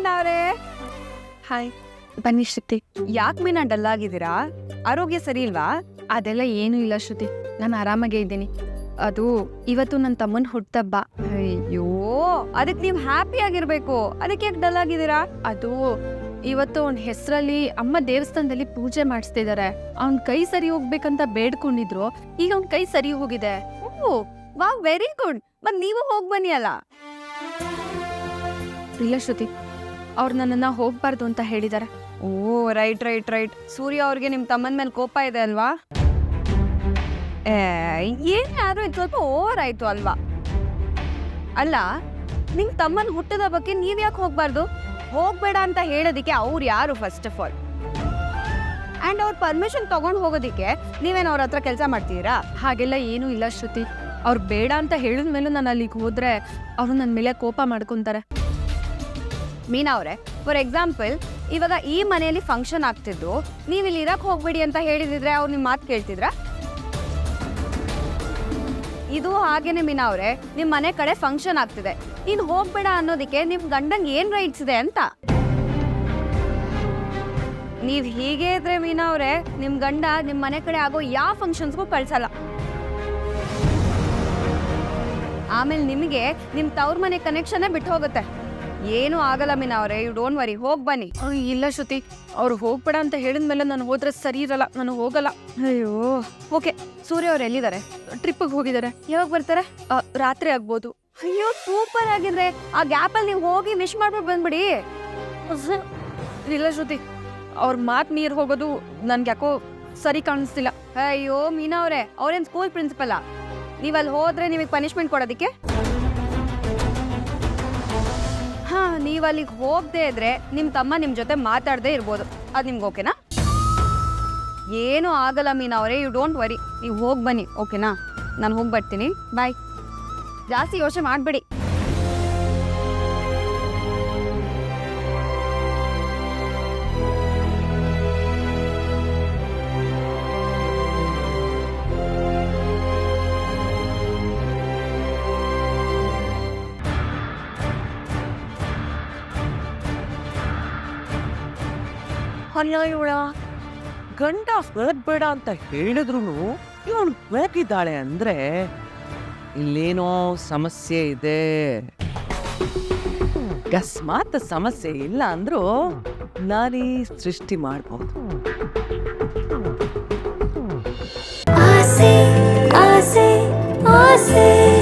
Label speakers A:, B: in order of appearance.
A: ಮೀನಾ ಅವರೇ.
B: ಹಾಯ್, ಬನ್ನಿ ಶ್ರುತಿ.
A: ಯಾಕೆ ಮೀನಾ ಡಲ್ ಆಗಿದ್ದೀರಾ? ಆರೋಗ್ಯ ಸರಿ ಇಲ್ವಾ?
B: ಅದೆಲ್ಲ ಏನೂ ಇಲ್ಲ ಶ್ರುತಿ, ನಾನು ಆರಾಮಾಗೇ ಇದ್ದೀನಿ. ಅದು ಇವತ್ತು ನನ್ನ ತಮ್ಮನ ಹುಟ್ಟುಹಬ್ಬ.
A: ಅಯ್ಯೋ, ಅದಕ್ಕೆ ನೀವು ಹ್ಯಾಪಿ ಆಗಿರ್ಬೇಕು. ಅದಕ್ಕೆ ಯಾಕೆ ಡಲ್ ಆಗಿದ್ದೀರಾ?
B: ಅದು ಇವತ್ತು ಅವನ ಹೆಸರಲ್ಲಿ ಅಮ್ಮ ದೇವಸ್ಥಾನದಲ್ಲಿ ಪೂಜೆ ಮಾಡಿಸ್ತಿದ್ದಾರೆ. ಅವ್ನ ಕೈ ಸರಿ ಹೋಗ್ಬೇಕಂತ ಬೇಡ್ಕೊಂಡಿದ್ರು. ಈಗ ಅವ್ನ ಕೈ ಸರಿ ಹೋಗಿದೆ.
A: Oh wow, very good. ಮತ್ ನೀವು ಹೋಗ್ ಬನ್ನಿ ಅಲ್ಲ.
B: ಇಲ್ಲ ಶ್ರುತಿ, ಅವ್ರು ನನ್ನನ್ನ ಹೋಗ್ಬಾರ್ದು ಅಂತ ಹೇಳಿದ್ದಾರೆ.
A: Oh right right right. Surya ಅವ್ರಿಗೆ ನಿಮ್ ತಮ್ಮನ ಮೇಲೆ ಕೋಪ ಇದೆ ಅಲ್ವಾ? ಏನಾದ್ರೂ ಇದು ಸ್ವಲ್ಪ ಓವರ್ ಆಯ್ತು ಅಲ್ವಾ? ಅಲ್ಲ, ನಿಮ್ ತಮ್ಮನ ಹುಟ್ಟದ ಬಗ್ಗೆ ನೀವ್ ಯಾಕೆ ಹೋಗ್ಬಾರ್ದು? ಹೋಗ್ಬೇಡ ಅಂತ ಹೇಳೋದಿಕ್ಕೆ ಅವ್ರು ಯಾರು ಫಸ್ಟ್ ಆಫ್ ಆಲ್? ಅಂಡ್ ಅವ್ರ ಪರ್ಮಿಷನ್ ತಗೊಂಡ್ ಹೋಗೋದಿಕ್ಕೆ ನೀವೇನು ಅವ್ರ ಹತ್ರ ಕೆಲಸ ಮಾಡ್ತೀರಾ?
B: ಹಾಗೆಲ್ಲ ಏನೂ ಇಲ್ಲ ಶ್ರುತಿ. ಅವ್ರು ಬೇಡ ಅಂತ ಹೇಳಿದ್ಮೇಲೂ ನಾನು ಅಲ್ಲಿಗೆ ಹೋದ್ರೆ ಅವರು ನನ್ನ ಮೇಲೆ ಕೋಪ ಮಾಡ್ಕೊತಾರೆ.
A: ಮೀನಾ ಅವರೇ, ಫಾರ್ ಎಕ್ಸಾಂಪಲ್ ಇವಾಗ ಈ ಮನೆಯಲ್ಲಿ ಫಂಕ್ಷನ್ ಆಗ್ತಿದ್ದು, ನೀವು ಇಲ್ಲಿ ಇರಕ್ ಹೋಗ್ಬೇಡಿ ಅಂತ ಹೇಳಿದಿದ್ರೆ ಅವ್ರು ನಿಮ್ಮ ಮಾತು ಕೇಳ್ತಿದ್ರಾ? ಇದು ಹಾಗೇನೆ ಮೀನಾ ಅವರೇ, ನಿಮ್ಮ ಮನೆ ಕಡೆ ಫಂಕ್ಷನ್ ಆಗ್ತಿದೆ, ನೀನು ಹೋಗ್ಬೇಡ ಅನ್ನೋದಕ್ಕೆ ನಿಮ್ ಗಂಡಂಗೆ ಏನ್ ರೈಟ್ಸ್ ಇದೆ ಅಂತ. ನೀವ್ ಹೀಗೆ ಇದ್ರೆ ಮೀನಾ ಅವರೇ, ನಿಮ್ ಗಂಡ ನಿಮ್ ಮನೆ ಕಡೆ ಆಗೋ ಯಾವ ಫಂಕ್ಷನ್ಸ್ಗೂ ಕಳ್ಸಲ್ಲ. ಆಮೇಲೆ ನಿಮಗೆ ನಿಮ್ ತವ್ರ ಮನೆ ಕನೆಕ್ಷನ್ ಬಿಟ್ಟು ಹೋಗುತ್ತೆ. ಏನು ಆಗಲ್ಲ ಮೀನಾ ಅವರೇ, ಯು ಡೋಂಟ್ ವರಿ. ಹೋಗ್ ಬನ್ನಿ.
B: ಇಲ್ಲ ಶ್ರುತಿ, ಅವ್ರು ಹೋಗ್ಬೇಡ ಅಂತ ಹೇಳಿದ್ಮೇಲೆ ನಾನು ಹೋದ್ರೆ ಸರಿ ಇರಲ್ಲ. ನಾನು ಹೋಗಲ್ಲ.
A: ಅಯ್ಯೋ ಓಕೆ. ಸೂರ್ಯ ಅವ್ರು ಎಲ್ಲಿದ್ದಾರೆ?
B: ಟ್ರಿಪ್ಪಿಗೆ ಹೋಗಿದ್ದಾರೆ.
A: ಯಾವಾಗ ಬರ್ತಾರೆ?
B: ರಾತ್ರಿ ಆಗ್ಬೋದು.
A: ಅಯ್ಯೋ ಸೂಪರ್ ಆಗಿದ್ರೆ ಆ ಗ್ಯಾಪಲ್ಲಿ ನೀವು ಹೋಗಿ ವಿಶ್ ಮಾಡ್ಬಿಟ್ಟು ಬಂದ್ಬಿಡಿ.
B: ಇಲ್ಲ ಶ್ರುತಿ, ಅವ್ರ ಮಾತು ಮೀರ್ ಹೋಗೋದು ನನ್ಗೆ ಯಾಕೋ ಸರಿ ಕಾಣಿಸ್ತಿಲ್ಲ.
A: ಅಯ್ಯೋ ಮೀನಾ ಅವರೇ, ಅವ್ರೇನ್ ಸ್ಕೂಲ್ ಪ್ರಿನ್ಸಿಪಲ್? ನೀವ್ ಅಲ್ಲಿ ಹೋದ್ರೆ ನಿಮಗೆ ಪನಿಷ್ಮೆಂಟ್ ಕೊಡೋದಿಕ್ಕೆ? ಹಾ, ನೀವ್ ಅಲ್ಲಿಗೆ ಹೋಗದೆ ಇದ್ರೆ ನಿಮ್ ತಮ್ಮ ನಿಮ್ ಜೊತೆ ಮಾತಾಡದೆ ಇರ್ಬೋದು. ಅದ್ ನಿಮ್ಗೆ ಓಕೆನಾ? ಏನೂ ಆಗಲ್ಲ ಮೀನಾ ಅವರೇ, ಯು ಡೋಂಟ್ ವರಿ. ನೀವು ಹೋಗಿ ಬನ್ನಿ, ಓಕೆನಾ? ನಾನು ಹೋಗಿ ಬರ್ತೀನಿ. ಬಾಯ್. ಜಾಸ್ತಿ ಯೋಚನೆ ಮಾಡಬೇಡಿ.
C: ಅಲ್ಲ ಇವಳ ಗಂಡ ಬೇಡ ಅಂತ ಹೇಳಿದ್ರು ಇವಳು ಬೇಕಿದ್ದಾಳೆ ಅಂದ್ರೆ ಇಲ್ಲೇನೋ ಸಮಸ್ಯೆ ಇದೆ. ಅಕಸ್ಮಾತ್ ಸಮಸ್ಯೆ ಇಲ್ಲ ಅಂದ್ರೂ ನಾನೇ ಸೃಷ್ಟಿ ಮಾಡ್ಬೋದು.
D: ಆಸೆ ಆಸೆ ಆಸೆ